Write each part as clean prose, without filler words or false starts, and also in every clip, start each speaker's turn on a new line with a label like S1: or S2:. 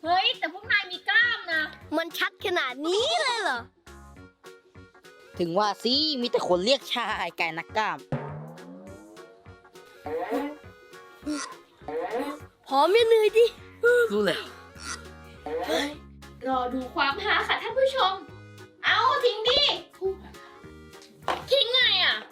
S1: เฮ้ยแต่พวกนายมีกล้ามนะ
S2: มันชัดขนาดนี้เลยเหรอ
S3: ถึงว่าสิมีแต่คนเรียกชายไก่นักกล้าม
S2: พร้อมยังเหนื่อยดิ
S3: รู้แล้ว
S1: รอดูความหาค่ะท่านผู้ชมเอาทิ้งดิทิ้งไงอ่ะ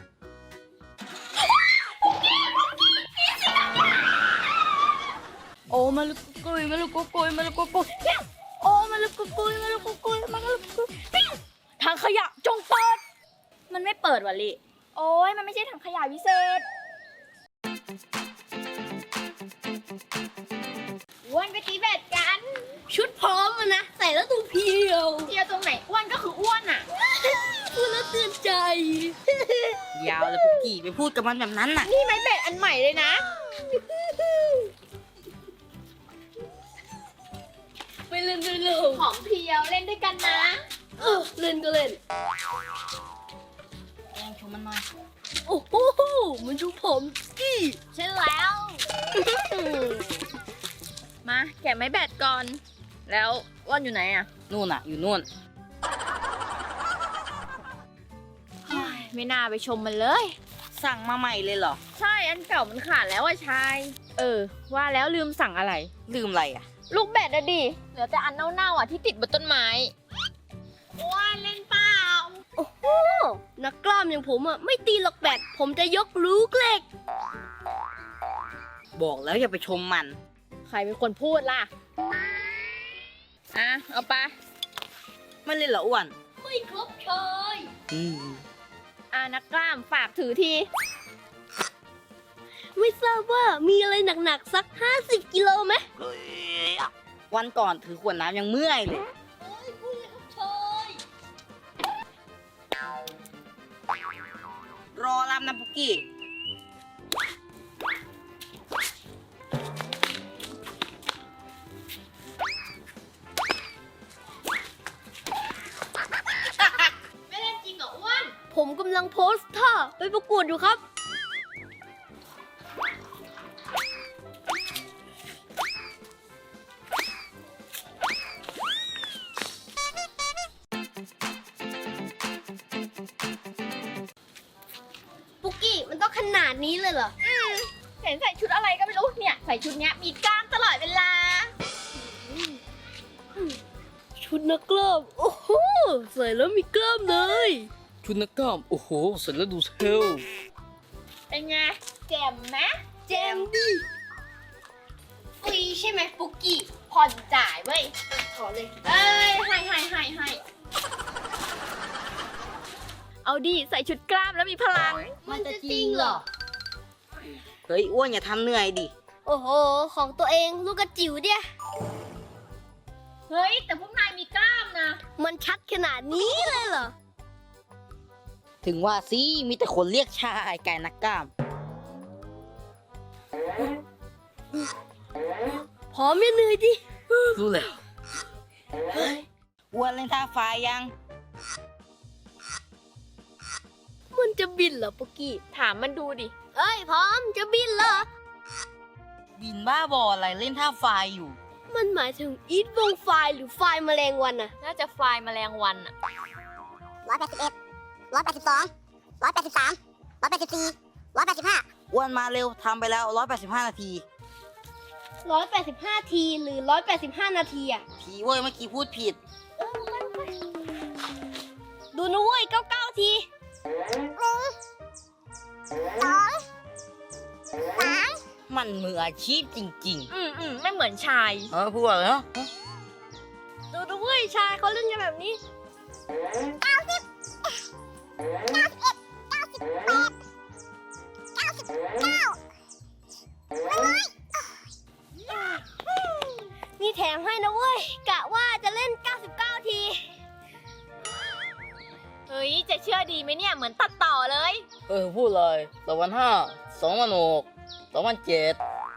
S2: โอ้มาลุกกุยมาลุกกุยมาลุกกุยโอ้มาลุกกุยมาลุกกุยมาลุกกุยทางขยะจงเปิด
S1: มันไม่เปิดวะลิโอ้ยมันไม่ใช่ถังขยะวิเศษอ้วนไปตีแบดกัน
S2: ชุดพร้อมนะใส่แล้วตัวเพียว
S1: ตรงไหนอ้วนก็คืออ้วนอ่ะ
S2: พูดแล้วเตือนใจ
S3: ยาวเลยปุกกี้ไปพูดกับมันแบบนั้นน่ะ
S1: นี่ไม้แบดอันใหม่เลยนะ
S2: ไปเล่นด้วยเลย
S1: หอมเพียวเล่นด้วยกันนะ
S2: เล่นก็เล่น
S3: แองชมมันหน่อย
S2: โอ้โหมันดูผมกี้
S1: ใช่แล้วมาแกะไม้แบดก่อนแล้วอ้วนอยู่ไหนอ่ะ
S3: นู่นน่ะอยู่นู่น
S1: ไม่น่าไปชมมันเลย
S3: สั่งมาใหม่เลยเหรอ
S1: ใช่อันเก่ามันขาดแล้วอ่ะชายว่าแล้วลืมสั่งอะไร
S3: ลืมอะไรอ่ะ
S1: ลูกแบดอะดิเหลือแต่อันเน่าๆอ่ะที่ติดบนต้นไม้อ้วนเล่นเปล่า
S2: โอ้โหนักกล้ามอย่างผมอ่ะไม่ตีหรอกแบดผมจะยกลูกเหล็ก
S3: บอกแล้วอย่าไปชมมัน
S1: ใครเป็นคนพูดล่ะเอาไป
S3: ไม่เล่นเหรออ้วน
S2: ไม่ครบเชย
S1: นักกล้ามฝากถือที
S2: ไม่ทราบว่ามีอะไรหนักๆสัก50 กิโลไหม
S3: วันก่อนถือขวดน้ำยังเมื่อยเลย
S2: พูดเลยครับเชย
S3: รอรับนะปุกกี้
S1: ไม่เล่นจริงเหรออ้วน
S2: ผมกำลังโพสท่าไปประกวดอยู่ครับปุกกี้มันต้องขนาดนี้เลยเหรอ
S1: เห็นใส่ชุดอะไรก็ไม่รู้เนี่ยใส่ชุดเนี้ยมีกล้ามตลอดเวลา
S2: ชุดนักกล้ามโอ้โหใส่แล้วมีกล้ามเลย
S3: ชุดนักกล้ามโอ้โหใส่แล้วดูเทล
S1: เป็นไงแจ่มไหม
S2: แจ่มดิฟรีใช่ไหมปุกกี้
S1: ผ่อนจ่ายเว้ย
S2: ขอเลย
S1: ให้เอาดิใส่ชุดกล้ามแล้วมีพลัง
S2: มันจะจริงเหรอ
S3: เฮ้ยอ้วนอย่าทำเหนื่อยดิ
S2: โอ้โหของตัวเองลูกกระจิ๋วเดีย
S1: เฮ้ยแต่พวกนายมีกล้ามนะ
S2: มันชัดขนาดนี้เลยเหรอ
S3: ถึงว่าสิมีแต่คนเรียกชายไก่นักกล้าม
S2: พร้อมยังเหนื่อยดิ
S3: รู้แล้วอ้วนเล่นท่าไฟยัง
S2: มันจะบินเหรอปุกกี้
S1: ถามมันดูดิ
S2: เอ้ยพร้อมจะบินเหรอ
S3: บินบ้าบออะไรเล่นท่าไฟอยู่
S2: มันหมายถึงอีทวงไฟหรือไฟแมลงวัน
S1: น่าจะไฟแมลงวัน
S4: 181 182 183 184 185
S3: อ้วนมาเร็วทำไปแล้ว185 นาที
S2: 185 ทีหรือ185 นาทีอะ
S3: ทีเว้ยเมื่อกี้พูดผิด
S2: ดูนะเว้ย99 ที
S3: มันมืออาชีพจริง
S1: ๆไม่เหมือนชาย
S3: พูดอะไรเนาะ
S2: ดูนะเว้ยชายเขาเล่นกันแบบนี้นี่แถมให้นะเว้ยกะว่าจะเล่น99 ที
S1: เฮ้ยจะเชื่อดีไหมเนี่ยเหมือนตัดต่อเลย
S3: พูดเลย2005 2006 2007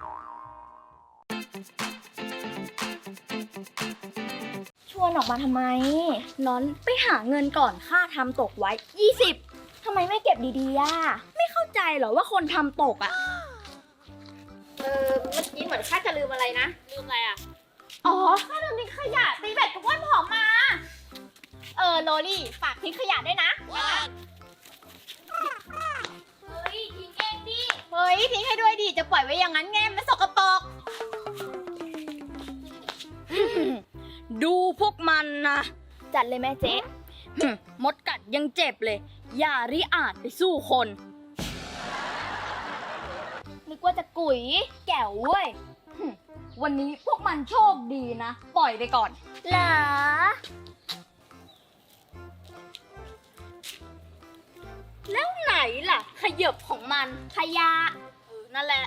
S1: ชวนออกมาทำไมร้อนไปหาเงินก่อนค่าทำตกไว้20ทำไมไม่เก็บดีๆไม่เข้าใจเหรอว่าคนทำตกเมื่อกี้เหมือนข้าจะลืมอะไรนะลืมอะไรอ๋อค่าเดินทิ้งขยะตีแบตกับอ้วนผอมมา โรลี่ฝากทิ้งขยะด้วยนะ เฮ้ยทิ้งเองดิ เฮ้ยทิ้งให้ด้วยดิ จะปล่อยไว้อย่างนั้นไงมันสกปรก
S2: ดูพวกมันนะ
S1: จัดเลยแม่เจ๊
S2: มดกัดยังเจ็บเลย อย่าริอาจไปสู้คน
S1: นึกว่าจะกุ๋ย
S2: แก้วเว้ย วันนี้พวกมันโชคดีนะ ปล่อยไปก่อน
S1: เหรอ
S2: แล้วไหนล่ะ ขยบของมัน
S1: ขยะ
S2: นั่นแหละ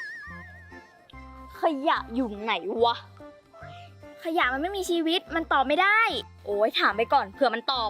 S2: ขยะอยู่ไหนวะ
S1: ขยะมันไม่มีชีวิต มันตอบไม่ได้
S2: โอ้ยถามไปก่อนเผื่อมันตอบ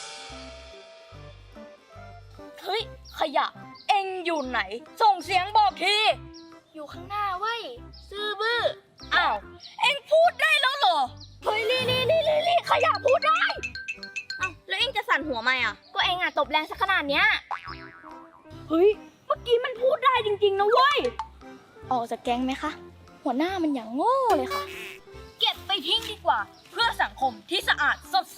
S2: เฮ้ย ขยะ เอ็งอยู่ไหน ส่งเสียงบอกที
S1: อยู่ข้างหน้าเว้ย ซื่อบื้อ
S2: อ้าว เอ็งพูดได้แล้วเหรอ เฮ้ยลี่ขยะพูดได้ อ้าว แล้วเอ็งจะสั่นหัวไหมอ่ะ
S1: ก็เองอะตบแรงสักขนาดเนี้ย
S2: เฮ้ย เมื่อกี้มันพูดได้จริงๆนะเว้ย
S1: ออกจากแก๊งไหมคะ หัวหน้ามันอย่างโง่เลยค่ะ
S2: เก็บไปทิ้งดีกว่า เพื่อสังคมที่สะอาดสดใส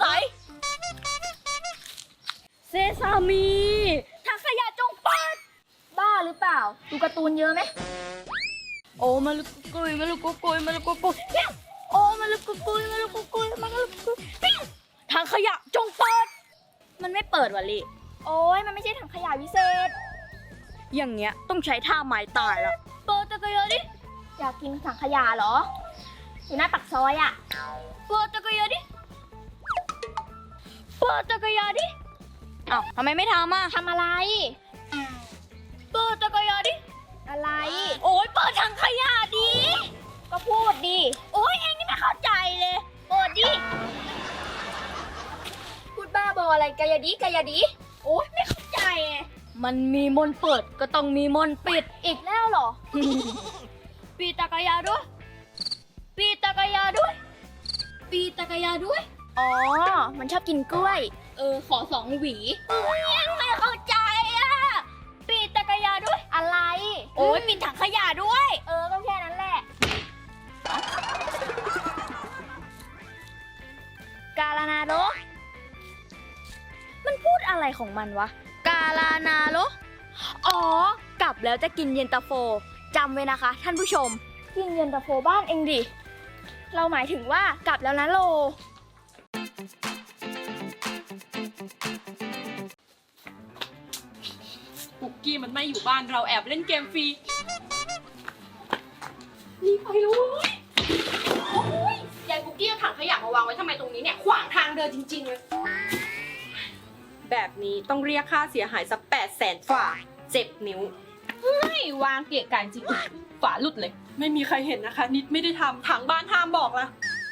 S2: เซซามีถังขยะจงเปิด
S1: บ้าหรือเปล่า ดูการ์ตูนเยอะไหม
S2: โอ้มาลุกกุยมาลุกกุยมาลุกกุยโอ้มาลุกกุยมาลุกกุยมาลุกกุยถังขยะจงเปิด มันไม่เปิดวะลิ
S1: โอ้ยมันไม่ใช่ถังขยะวิเศษ
S2: อย่างเงี้ยต้องใช้ท่าไม้ตายแล้วเปิดจักรยานดิ
S1: อยากกินถังขยะเหรอ อยู่หน้าปากซอยอะ
S2: เปิดจักรยานดิเปิดจักรยานดิอ้าวทำไมไม่ทำอ่ะ
S1: ทำอะไร
S2: เปิดจักรยานดิ
S1: อะไร
S2: โอ้ยเปิดถังขยะดิ
S1: ก็พูดดิ
S2: โอ้ยเองนี่ไม่เข้าใจเลยเปิดดิ
S1: พูดบ้าบออะไรกายดิกายดิ
S2: โอ้ยไม่เข้าใจไงมันมีมนต์เปิดก็ต้องมีมนต์ปิด
S1: อีกแล้วเหรอ
S2: ปีจักรยานด้วย ปีจักรยานด้วย ปีจักรยานด้วย
S1: อ๋อ มันชอบกินกล้วย
S2: ขอ2 หวียังไม่เข้าใจอ่ะ ปีจักรยานด้วย
S1: อะไร
S2: โอ้ยปีถังขยะด้วย
S1: ก็แค่นั้นแหละ กาลานาโด
S2: มันพูดอะไรของมันวะ กาลานาโลอ๋อ กลับแล้วจะกินเย็นตาโฟจำไว้นะคะ ท่านผู้ชม
S1: กินเย็นตาโฟบ้านเองดิ เราหมายถึงว่ากลับแล้วนะโล
S5: ปุกกี้มันไม่อยู่บ้านเราแอบเล่นเกมฟรีรีบไปเลย โอ้ยยายปุกกี้เอาถังขยะมาวางไว้ทำไมตรงนี้เนี่ย ขวางทางเดินจริงๆเลย แบบนี้ต้องเรียกค่าเสียหายสัก800,000 ฝ่า7 นิ้วไม่วางเกะกะจริง ฝาหลุดเลย ไม่มีใครเห็นนะคะ นิดไม่ได้ทำทางบ้านห้ามบอกละ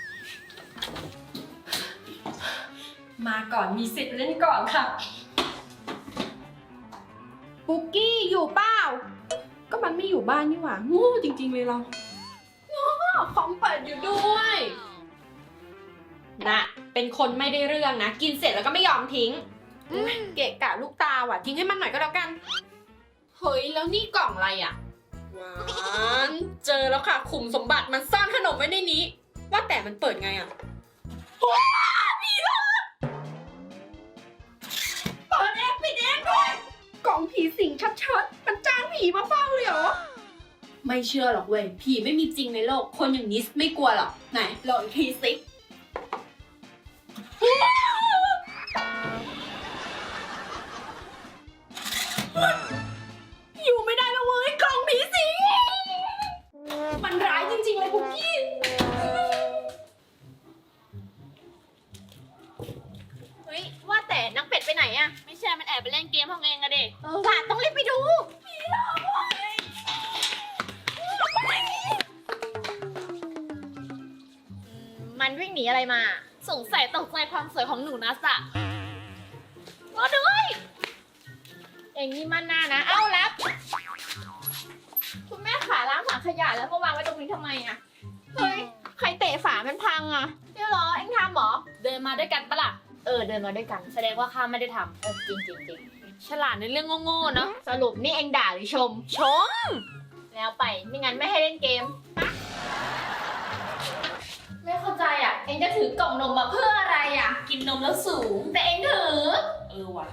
S5: มาก่อนมีสิทธิ์เล่นก่อนค่ะ ปุกกี้อยู่เปล่า ก็มันไม่อยู่บ้านนี่หว่าโง่จริงๆเลยเราคอมเปิดอยู่ด้วยนะเป็นคนไม่ได้เรื่องนะ กินเสร็จแล้วก็ไม่ยอมทิ้งเกะกะลูกตาว่ะทิ้งให้มันหน่อยก็แล้วกัน เฮ้ยแล้วนี่กล่องอะไรอ่ะว้านเจอแล้วค่ะขุมสมบัติมันซ่อนขนมไว้ในนี้ ว่าแต่มันเปิดไงอ่ะมีรถเปิดเองปิดเองด้วยกล่องผีสิงชัดๆมันจ้างผีมาเฝ้าเลยเหรอไม่เชื่อหรอกเว้ยผีไม่มีจริงในโลกคนอย่างนิสไม่กลัวหรอกไหนลองอีกทีสิอยู่ไม่ได้แล้วเว้ยกล่องผีสิงมันร้ายจริงๆเลยคุกกี้เฮ้ยว่าแต่นักเป็ดไปไหนอะไม่ใช่มันแอบไปเล่นเกมของเองอะเด็กหลานต้องรีบไปดูผีหลอกเว้ย
S1: มันวิ่งหนีอะไรมา
S5: สงสัยตกใจความสวยของหนูนัสอะ
S1: รอด้วย เองนี่มันหน้านะ เอ้ารับ คุณแม่ขาล้างถังขยะแล้วมาวางไว้ตรงนี้ทำไมอะเฮ้ย ใครเตะฝามันพังอะเดี๋ยวเหรอ เองทำเหรอ
S5: เดินมาด้วยกันปะล่ะ
S1: เดินมาด้วยกัน แสดงว่าข้าไม่ได้ทำจริง
S5: ฉลาดในเรื่องโง่ๆเนาะ
S1: สรุปนี่เองด่าหรือชม
S5: ชม
S1: แล้วไป ไม่งั้นไม่ให้เล่นเกม ไม่
S2: งจะถือกล่องนมมาเพื่ออะไรอ่ะ
S5: กินนมแล้วสูง
S2: แต่เองถือ
S5: ว่ะ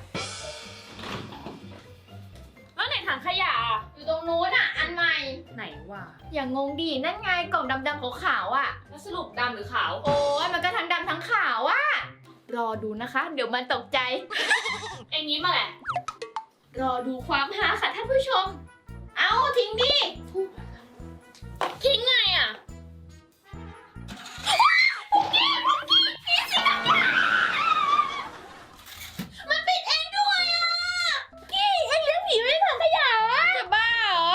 S5: แล้วไหนถังขยะอะ
S2: อยู่ตรงนู้นอ่ะ อันใหม่
S5: ไหนวะ
S2: อย่างงงดีนั่นไงกล่องดำๆขาวๆอ่ะ
S5: แล้วสรุปดำหรือขาว
S2: โอ้ยมันก็ทั้งดำทั้งขาวอ่ะ รอดูนะคะ เดี๋ยวมันตกใจ
S5: เอ็งนี้มาแหละ
S2: รอดูความฮาค่ะท่านผู้ชม เอาทิ้งดิ
S5: ทิ้งไงอ่ะ
S2: มันปิดเองด้วยอ่ะกี้เอ็งเลี้ยงผีไว้ในถังขยะอ่ะ
S5: จะบ้าเหรอ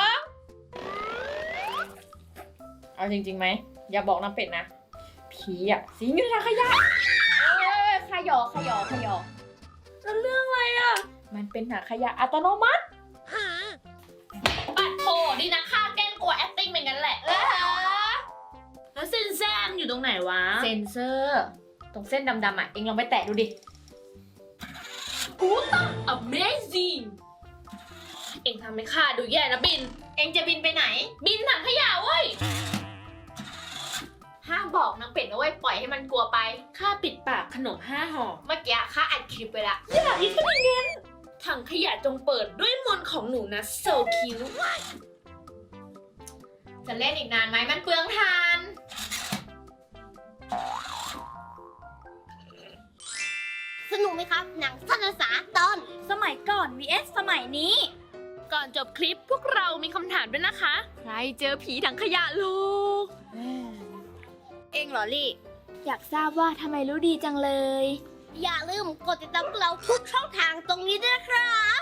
S5: เอาจริงๆไหม อย่าบอกน้ำเป็ดนะ ผีอ่ะสิงอยู่ในถังขยะ
S2: ขยอ
S5: แล้วเรื่องอะไรอ่ะ มันเป็นถังขยะอัตโนมัติปัดโถดีนะค่าแกล้งกลัว acting เป็นงั้นแหละ แล้วเส้นแซมอยู่ตรงไหนวะ
S2: เซนเซอร์ ตรงเส้นดำๆอ่ะ เอ็งลองไปแตะดูดิ
S5: กูต้อง amazing เอ็งทำให้ข้าดูแย่นะบิน
S2: เอ็งจะบินไปไหน
S5: บินถังขยะเว้ย
S2: ห้ามบอกนางเป็ดนะเว้ยปล่อยให้มันกลัวไป
S5: ข้าปิดปากขนม5 ห่อ
S2: เมื่อกี้ข้าอัดคลิปไปละ
S5: อย่าอีกก็ไม่เงินถังขยะจงเปิดด้วยมนต์ของหนูนะ so cute
S2: จะเล่นอีกนานไหมมันเปลืองทาน
S4: สนุกไหมครับ หนังสั้นภาษาตอน
S1: สมัยก่อน vs สมัยนี้
S5: ก่อนจบคลิปพวกเรามีคำถามด้วยนะคะ ใครเจอผีถังขยะลูก
S1: เองเหรอลี่ อยากทราบว่าทำไมรู้ดีจังเลย
S4: อย่าลืมกดติดตามพวกเราทุกช่องทางตรงนี้ด้วยนะครับ